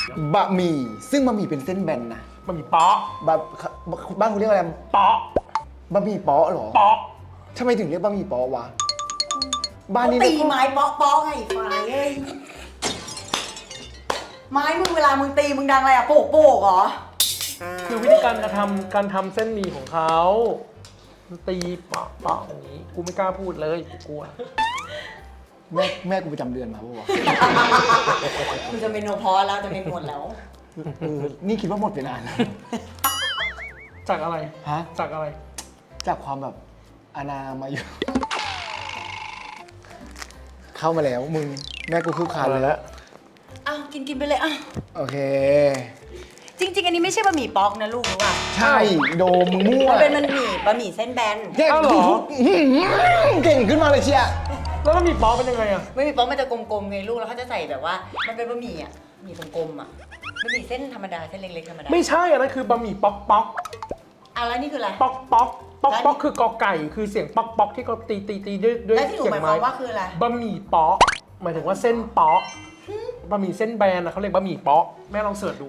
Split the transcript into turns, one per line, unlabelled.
บะหมี่ซึ่งบะหมี่เป็นเส้นแบนนะ
บะหมี่เป๊ะ
บะบ้านคุณเรียกอะไร
เป๊ะ
บะหมี่เป๊ะเหรอ
เป๊ะ
ทำไมถึงเรียกบะหมี่เป๊ะวะบ้าน
เขา
นี้
ตี
เรียก
ไม้เปาะๆไงฝ่ายเอ้ยไม้มึงเวลามึงตีมึงดังอะไรอะโปกๆเหรอ
คือวิธีการการทำเส้นหมี่ของเขาตีปะปะอย่างนี้กูไม่กล้าพูดเลยกูกลัว
แม่กูประจำเดือนมาปะวะ
มึงจะเป็นโนพอแล้วจะเป็นหมดแล้ว
นี่คิดว่าหมดไปนานแล้ว
จากอะไร
ฮะ
จากอะไร
จากความแบบอนามาอยู่ เข้ามาแล้วมึงแม่กูคือขาดเลยแล้ว
อ้าวกินไปเลยอ้าว
โอเค
จริง ๆ อันนี้ไม่ใช่บะหมี่ป๊อกนะลูกรู้ป่ะ
ใช่โดมมึงมั่ว
มันเป็นบะหมี่เส้นแบน
เก่ง
อ้าวเหรอ
เก่งขึ้นมาเลยเชีย
แล้วบะหมี่เป๊ะเป็นยังไงอะ
บะหมี่ป๊อกมันจะกลมๆไงลูกแล้วเขาจะใส่แบบว่า มันเป็นบะหมี่อ่ะหมี่กลมๆอ่ะบะหมี่เส้นธรรมดาเส้นเล็กๆธรรมดา
ไม่ใช่อันนั้นคือบะหมี่ป๊อกป๊อก
อ่ะแล้วนี่คืออะไร
ป๊อกป๊อกป๊อก
แล้ว
ป๊อกคือกอไก่คือเสียงป๊อกป๊อกที่เขาตีด้วย
แล้วที่หนู
เสีย
หมาย
ง
ควา
ไม้
มว่าคืออะไร
บะหมี่เป๊ะหมายถึงว่าเส้นเป๊ะบะหมี่เส้นแบนนะเขาเรียกบะหมี่เป๊ะแม่ลองเสิร์ชดู